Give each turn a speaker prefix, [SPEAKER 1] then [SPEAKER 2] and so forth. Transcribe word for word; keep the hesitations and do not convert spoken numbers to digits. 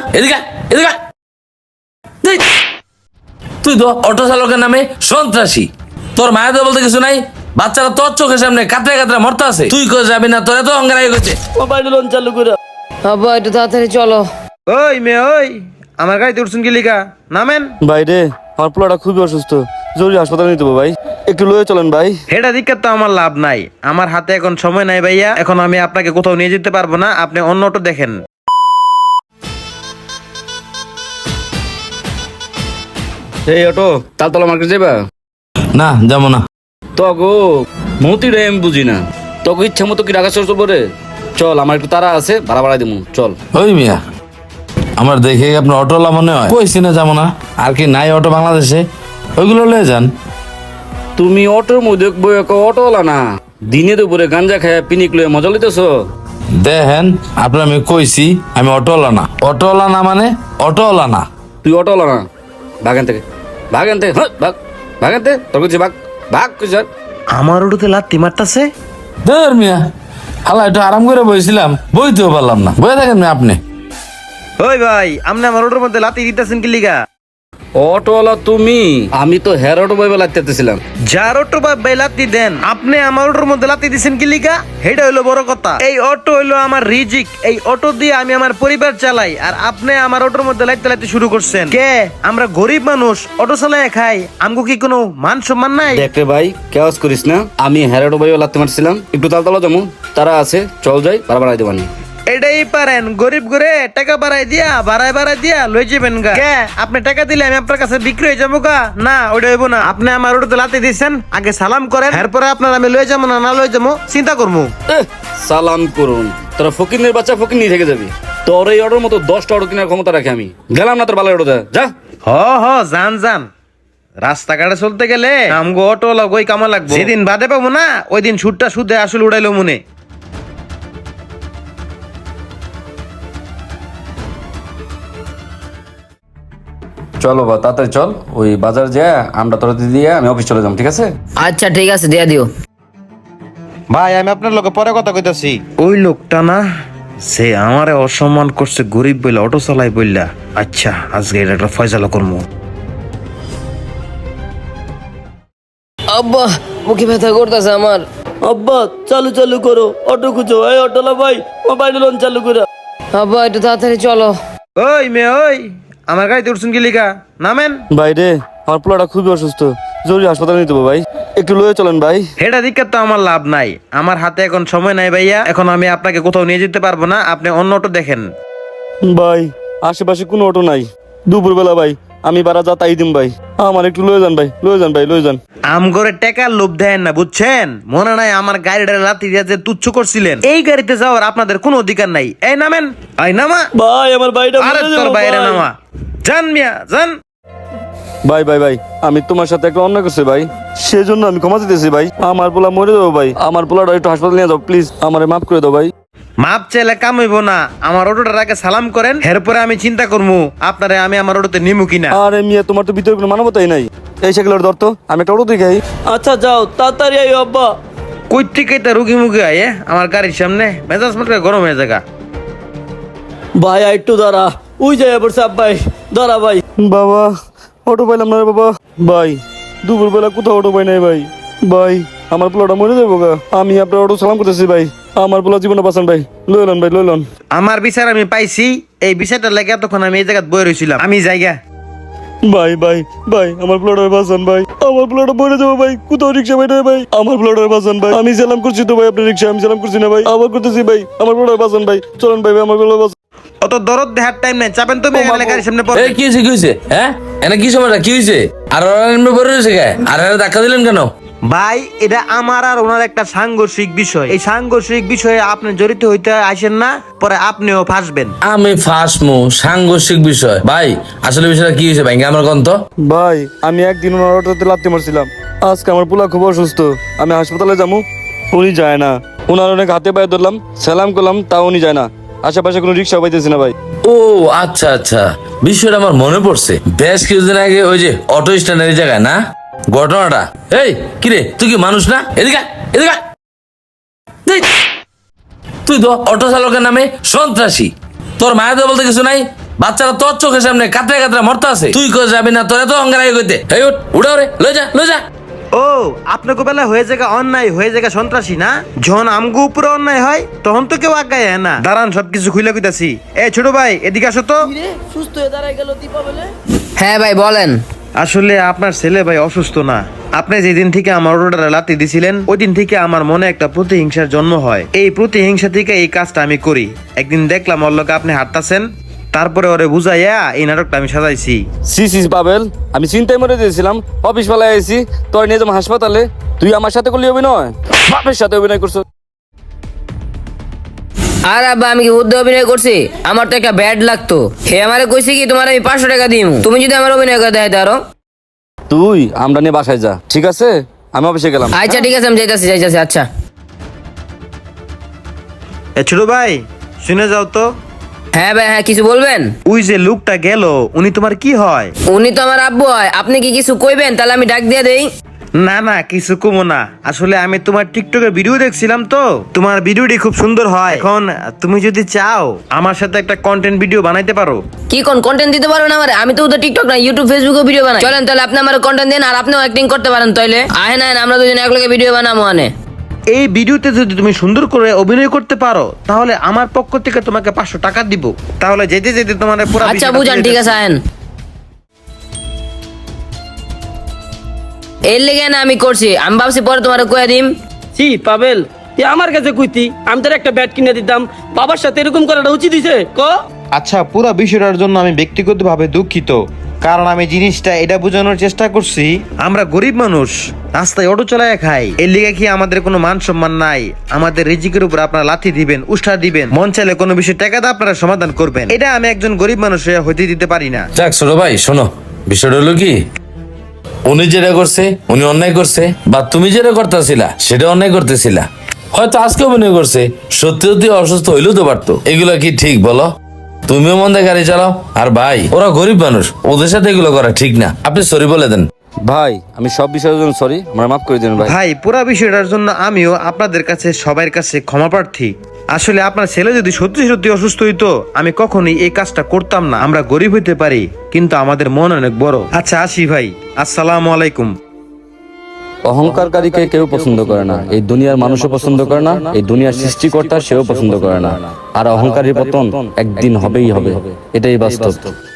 [SPEAKER 1] এদিকে এদিকে তুই তো অটো চালকের নামে সন্ত্রাসী। তোর মায়ের তো বলতে কিছু নাই, বাচ্চারা তোর চোখের সামনে কাতরে কাতরে মরতে আছে, তুই কই যাবি না? তোর এত অঙ্গার হয়ে গেছে।
[SPEAKER 2] মোবাইল লোন চালু করে
[SPEAKER 3] আব্বা একটু তাড়াতাড়ি চলো।
[SPEAKER 4] ওই মেয়ে ওই, আমার গাড়িতে উঠছেন কি লিখা? নামেন।
[SPEAKER 2] ভাই রে, আমার পোলাটা খুবই অসুস্থ, জরুরি হাসপাতালে নিতে হবে ভাই, একটু লয়ে চলেন ভাই।
[SPEAKER 4] হেটা দিকে তো আমার লাভ নাই, আমার হাতে এখন সময় নাই ভাইয়া, এখন আমি আপনাকে কোথাও নিয়ে যেতে পারবো না, আপনি অন্য অটো দেখেন।
[SPEAKER 2] এই অটো তালতলা মার্কেট যাবা?
[SPEAKER 1] না যাবো না।
[SPEAKER 2] তো গো মতি রে আমি বুঝি না, তোকে ইচ্ছা মতো কি রাখা চলছে পরে? চল, আমার একটু তারা আছে, ভাড়া ভাড়া দিব, চল।
[SPEAKER 1] ওই মিয়া, আমার দেখে আপনার অটোওয়ালা মনে হয়, কইছি না যাবো না। আর কি নাই অটো বাংলাদেশে? ওইগুলো লয়ে যান।
[SPEAKER 2] তুমি অটোর মধ্যে বই অটোওয়ালা না, দিনে দুপুরে গাঞ্জা খায় পিনিক লয়ে মজা লইতেছো।
[SPEAKER 1] দেখেন আপনার আমি কইছি আমি অটোওয়ালা না। অটোওয়ালা না মানে অটোওয়ালা না।
[SPEAKER 2] তুই অটোওয়ালা না, ভাগান থেকে ভাগান থেকে হ্যাঁ ভাগ ভাগান থেকে তোর কাছে ভাগ ভাগ স্যার।
[SPEAKER 4] আমার অটোতে লাত্তি মারতাছে।
[SPEAKER 1] ধর মিয়া, হালা একটু আরাম করে বইছিলাম, বইতেও পারলাম না। বয়ে থাকেন মিয়া আপনি।
[SPEAKER 4] ওই ভাই, আপনি আমার অটোর মধ্যে লাত্তি দিতেছেন কি লিগা?
[SPEAKER 2] অটোওয়ালা তুমি? আমি তো হেয়ার অটো বইবে লাগতেছিলাম।
[SPEAKER 4] যার অটো ভাই লাত্তি দেন, আপনি আমার অটোর মধ্যে লাত্তি দিছেন কি লিগা? হেটা হইলো বড় কথা। এই অটো হইলো আমার রিজিক, এই অটো দিয়ে আমি আমার পরিবার চালাই, আর আপনি আমার অটোর মধ্যে লাইতে লাইতে শুরু করছেন কে? আমরা গরিব মানুষ, অটো চালাই খাই, আমগো কি কোনো মান সম্মান নাই?
[SPEAKER 2] দেখ রে ভাই, কেওয়াজ করিস না, আমি হেয়ার অটো বইবে লাগতে মারছিলাম, একটু তালতলা যাবো, তারা আছে, চল যাই, ভাড়া ভাড়াই দেবানি।
[SPEAKER 4] এটাই পারেন, গরিব করে টাকা বাড়াই দিয়া বাড়াই বাড়াই দিয়া লই যাবেন গা। কে আপনি টাকা দিলে আমি আপনার কাছে বিক্রি হয়ে যাবো গা? না, ওইটা হইব না। আপনি আমার ওটাতে লাতে দিচ্ছেন, আগে সালাম করেন, এরপরে আপনার আমি লই যাবো না না লই যাবো চিন্তা করবো।
[SPEAKER 2] এহ, সালাম করুন, তোরা ফকিনের বাচ্চা ফকির নিয়ে থেকে যাবি। তোর এই অটোর মতো দশটা অটো কেনার ক্ষমতা রাখে আমি, গেলাম না তোর বালের অটো যা।
[SPEAKER 4] হ হ যান যান, রাস্তাঘাটে চলতে গেলে আমগো অটো লগই কামা লাগবে। যেদিন বাদে পাবো না, ওই দিন সুদটা সুদে আসলে উড়াইলো মনে।
[SPEAKER 2] চলো বা তাড়াতাড়ি চল, ওই বাজার যা আমরা তোরা দিয়ে আমি অফিস চলে যাবো, ঠিক আছে?
[SPEAKER 3] আচ্ছা ঠিক আছে, দিয়ে দিও।
[SPEAKER 4] ভাই আমি আপনার লোকে পরে কথা কইতাছি। ওই লোকটা না, সে আমারে অসম্মান করছে গরিব বইলা, অটো চালাই বইলা। আচ্ছা আজকে এটা একটা ফয়সালা করবো।
[SPEAKER 3] আব্বা মুখে ব্যথা করতেছে আমার।
[SPEAKER 5] আব্বা চালু চালু করো, অটো খুঁজো। এই অটোলা ভাই, মোবাইল লোন চালু করে।
[SPEAKER 3] আব্বা একটু তাড়াতাড়ি চলো।
[SPEAKER 4] ওই মেয়ে ওই, আমার গাড়িতে উঠছেন কি লিখা? নামেন।
[SPEAKER 2] ভাই রে, আমার পোলাটা খুবই অসুস্থ, জরুরি হাসপাতালে নিতে হবে ভাই, একটু লয়ে চলেন ভাই।
[SPEAKER 4] হেটা দিকে তো আমার লাভ নাই, আমার হাতে এখন সময় নাই ভাইয়া, এখন আমি আপনাকে কোথাও নিয়ে যেতে পারবো না, আপনি অন্য অটো দেখেন।
[SPEAKER 2] ভাই আশেপাশে কোনো অটো নাই, দুপুরবেলা ভাই আমি বারা যা তাই দিম ভাই, আমার একটু লয়ে যান ভাই, লয়ে যান ভাই, লয়ে যান।
[SPEAKER 4] আম করে টাকার লোভ দেন না, বুঝছেন? মনে নাই আমার গাড়িটা লাথি দিয়ে যে তুচ্ছ করছিলেন, এই গাড়িতে যাওয়ার আপনাদের কোনো অধিকার নাই। এই নামেন, এই নামা
[SPEAKER 5] ভাই আমার ভাইটা
[SPEAKER 4] আরে
[SPEAKER 5] মরে
[SPEAKER 4] তোর
[SPEAKER 5] যাবো
[SPEAKER 4] বাইরে
[SPEAKER 5] ভাই।
[SPEAKER 4] নামা, জান মিয়া জান।
[SPEAKER 2] ভাই ভাই ভাই, আমি তোমার সাথে একটা অন্যায় করছি ভাই, সেজন্য আমি ক্ষমা চাইতেছি ভাই, আমার পোলা মরে যাবো ভাই, আমার পোলাটা একটু হাসপাতালে নিয়ে যাও প্লিজ, আমারে মাফ করে দাও ভাই।
[SPEAKER 4] মাপ চাইলে কাম হইব না, আমার অটোটার আগে সালাম করেন, এরপরে আমি চিন্তা করবো আপনারে আমি আমার অটোতে নিমু কিনা।
[SPEAKER 2] আরে মিয়া, তোমার তো ভিতরে কোনো মানবতাই নাই, এই সাইকেলের ধর তো, আমি একটা অটো দেখাই।
[SPEAKER 5] আচ্ছা যাও তাড়াতাড়ি আইও আব্বা।
[SPEAKER 4] কই থেকে তা রুগী মুখে আয়ে আমার গাড়ির সামনে, মেজাজ মাত্র গরম হয়ে জায়গা।
[SPEAKER 5] ভাই একটু দাঁড়া, ওই যাই পড়ছে আব্বাই, দাঁড়া ভাই।
[SPEAKER 2] বাবা অটো পাইলাম না রে বাবা, ভাই দুপুর বেলা কোথাও অটো পাই নাই ভাই, ভাই আমার পোলাটা মরে যাবো গা, আমি আপনার অটো সালাম করতেছি ভাই, আমার পোলা জীবনে বাঁচান ভাই, লইলন ভাই লইলন।
[SPEAKER 4] আমার বিচার আমি পাইছি, এই বিচারটা লাগে এতক্ষণ আমি এই জায়গায় বয়ে রয়েছিলাম, আমি জায়গা।
[SPEAKER 2] ভাই ভাই ভাই আমার পোলাটা বাঁচান ভাই, আমার পোলাটা মরে যাবো ভাই, কোথাও রিক্সা পাই নাই ভাই, আমার পোলাটা বাঁচান ভাই, আমি সালাম করছি তো ভাই, আপনার রিক্সা আমি সালাম করছি না ভাই, আবার করতেছি ভাই, আমার পোলাটা বাঁচান ভাই, চলেন ভাই ভাই আমার পোলা বাঁচান।
[SPEAKER 4] অত দরদ দেখার টাইম নাই, চাপেন তুমি এখানে গাড়ির সামনে পড়ে।
[SPEAKER 1] এই কি হয়েছে, কি হয়েছে? হ্যাঁ এনে কি সমস্যা, কি হয়েছে? আর ওরা এমনি পড়ে রয়েছে কে? আর এরা ধাক্কা দিলেন কেন?
[SPEAKER 4] ভাই এটা আমার আর ওনার একটা সাংঘর্ষিক বিষয়, এই সাংঘর্ষিক বিষয়ে আপনি জড়িত হইতে আসেন না, পরে আপনিও ফাঁসবেন।
[SPEAKER 1] আমি ফাঁসমু সাংঘর্ষিক বিষয়? ভাই আসলে বিষয়টা কি হয়েছে ভাই, আমার গন্ত।
[SPEAKER 2] ভাই আমি একদিন ওনার অটোতে লাত্তি মারছিলাম, আজকে আমার পোলা খুব অসুস্থ, আমি হাসপাতালে যাবো, উনি যায় না, ওনার অনেক হাতে পায়ে ধরলাম, সালাম করলাম, তাও উনি যায় না, আশেপাশে কোনো রিক্সা পাইতেছি না ভাই।
[SPEAKER 1] ও আচ্ছা আচ্ছা, বিষয়টা আমার মনে পড়ছে, বেশ কিছুদিন আগে ওই যে অটো স্ট্যান্ডের জায়গায় না ঘটনাটা। এই কিরে, তুই কি মানুষ না? এদিকে এদিকে, তুই তো অটো চালকের নামে সন্ত্রাসী। তোর মায়ের তো বলতে কিছু নাই, বাচ্চারা তোর চোখের সামনে কাতরে কাতরে মরতে আছে, তুই কই যাবি না? তোরা তো অঙ্গার আগে কইতে, এই উঠ উড়া রে, লই যা লই যা।
[SPEAKER 4] ও আপনাকে বেলা হয়ে জায়গা অন্যায় হয়ে জায়গা সন্ত্রাসী না, যখন আমগো উপরে অন্যায় হয় তখন তো কেউ আগায় না। দাঁড়ান সবকিছু খুলে কইতাছি। এ ছোট ভাই এদিকে আসো তো।
[SPEAKER 5] সুস্থ হয়ে দাঁড়ায় গেল দীপা বলে।
[SPEAKER 3] হ্যাঁ ভাই বলেন।
[SPEAKER 4] আসলে আপনার ছেলে ভাই অসুস্থ না, আপনি যেদিন থেকে আমার অটোটা লাতি দিছিলেন ওই দিন থেকে আমার মনে একটা প্রতিহিংসার জন্ম হয়। এই প্রতিহিংসা থেকে এই কাজটা আমি করি। একদিন দেখলাম ওর লোকে আপনি হাঁটতাছেন, তারপরে ওরে বুঝাইয়া এই নাটকটা আমি সাজাইছি।
[SPEAKER 2] সি সি পাবেল, আমি চিন্তায় মরে দিয়েছিলাম, অফিস বেলায় আইছি, তোর নিয়ে যাবো হাসপাতালে, তুই আমার সাথে করলি অভিনয়, বাপের সাথে অভিনয় করছো।
[SPEAKER 3] আর আব্বা আমি কি হুদ্দে অভিনয় করছি? আমার তো একটা ব্যাড লাগতো। হে আমারে কইছে কি তোমার আমি পাঁচশো টাকা দিই, তুমি যদি আমার অভিনয় করে দেখাইতে আরো।
[SPEAKER 2] তুই আমরা নিয়ে বাসায় যা, ঠিক আছে? আমি অফিসে গেলাম।
[SPEAKER 3] আচ্ছা ঠিক আছে, আমি যাইতাছি যাইতাছি। আচ্ছা
[SPEAKER 4] এ ছোট ভাই শুনে যাও তো।
[SPEAKER 3] হ্যাঁ ভাই, হ্যাঁ কিছু বলবেন?
[SPEAKER 4] ওই যে লোকটা গেল উনি তোমার কি হয়?
[SPEAKER 3] উনি তো আমার আব্বু হয়। আপনি কি কিছু কইবেন? তাহলে আমি ডাক দিয়ে দেই।
[SPEAKER 4] না না কিছু কমো না, আসলে আমি তোমার টিকটকের ভিডিও দেখছিলাম তো, তোমার ভিডিওটি খুব সুন্দর হয়। এখন তুমি যদি চাও আমার সাথে একটা কন্টেন্ট ভিডিও বানাইতে পারো।
[SPEAKER 3] কি কোন কন্টেন্ট দিতে পারবেন আমার? আমি তো ওদের টিকটক না, ইউটিউব ফেসবুকে ভিডিও বানাই। চলেন তাহলে আপনি আমার কন্টেন্ট দেন, আর আপনিও অ্যাক্টিং করতে পারেন। তাইলে আহে না আমরা দুজনে একলগে ভিডিও বানাবো। আনে
[SPEAKER 4] এই ভিডিওতে যদি তুমি সুন্দর করে অভিনয় করতে পারো তাহলে আমার পক্ষ থেকে তোমাকে পাঁচশো টাকা দিব। তাহলে যেতে যেতে তোমার পুরো
[SPEAKER 3] আচ্ছা বুঝান, ঠিক আছে আহেন। এর লেগে না আমি করছি, আমি ভাবছি পরে তোমার কয়ে দিম।
[SPEAKER 5] জি পাবেল, তুই আমার কাছে কইতি, আমি তোর একটা ব্যাট কিনে দিতাম। বাবার সাথে এরকম করাটা উচিত হইছে ক?
[SPEAKER 4] আচ্ছা পুরো বিষয়টার জন্য আমি ব্যক্তিগতভাবে দুঃখিত, কারণ আমি জিনিসটা এটা বোঝানোর চেষ্টা করছি আমরা গরিব মানুষ, রাস্তায় অটো চালায় খাই, এর লিগে কি আমাদের কোনো মান সম্মান নাই? আমাদের রিজিকের উপর আপনারা লাথি দিবেন, উষ্ঠা দিবেন, মন চাইলে কোনো বিষয় টাকা দিয়ে আপনারা সমাধান করবেন, এটা আমি একজন গরিব মানুষ হয়ে হইতে দিতে পারি না।
[SPEAKER 1] যাক ছোট ভাই শোনো, বিষয়টা হলো কি, উনি যেটা করছে উনি অন্যায় করছে, বা তুমি যেটা করতেছিলা সেটা অন্যায় করতেছিলা। হয়তো আজকে অভিনয় করছে, সত্যি সত্যি অসুস্থ হইলেও তো পারতো। এগুলা কি ঠিক বলো? তুমিও মন দিয়ে গাড়ি চালাও, আর ভাই ওরা গরিব মানুষ, ওদের সাথে এগুলো করা ঠিক না। আপনি সরি বলে দেন।
[SPEAKER 2] ভাই আমি সব বিষয়ের জন্য সরি, আমরা মাফ করে দিন ভাই।
[SPEAKER 4] ভাই পুরা বিষয়টার জন্য আমিও আপনাদের কাছে সবার কাছে ক্ষমা প্রার্থী। আসলে আপনার ছেলে যদি সত্যি সত্যি অসুস্থ হইতো আমি কখনোই এই কাজটা করতাম না। আমরা গরিব হইতে পারি কিন্তু আমাদের মন অনেক বড়। আচ্ছা আসি ভাই, আসসালামু আলাইকুম।
[SPEAKER 2] অহংকারকারীকে কেউ পছন্দ করে না, এই দুনিয়ার মানুষও পছন্দ করে না, এই দুনিয়ার সৃষ্টিকর্তা সেও পছন্দ করে না। আর অহংকারীর পতন একদিন হবেই হবে, এটাই বাস্তব।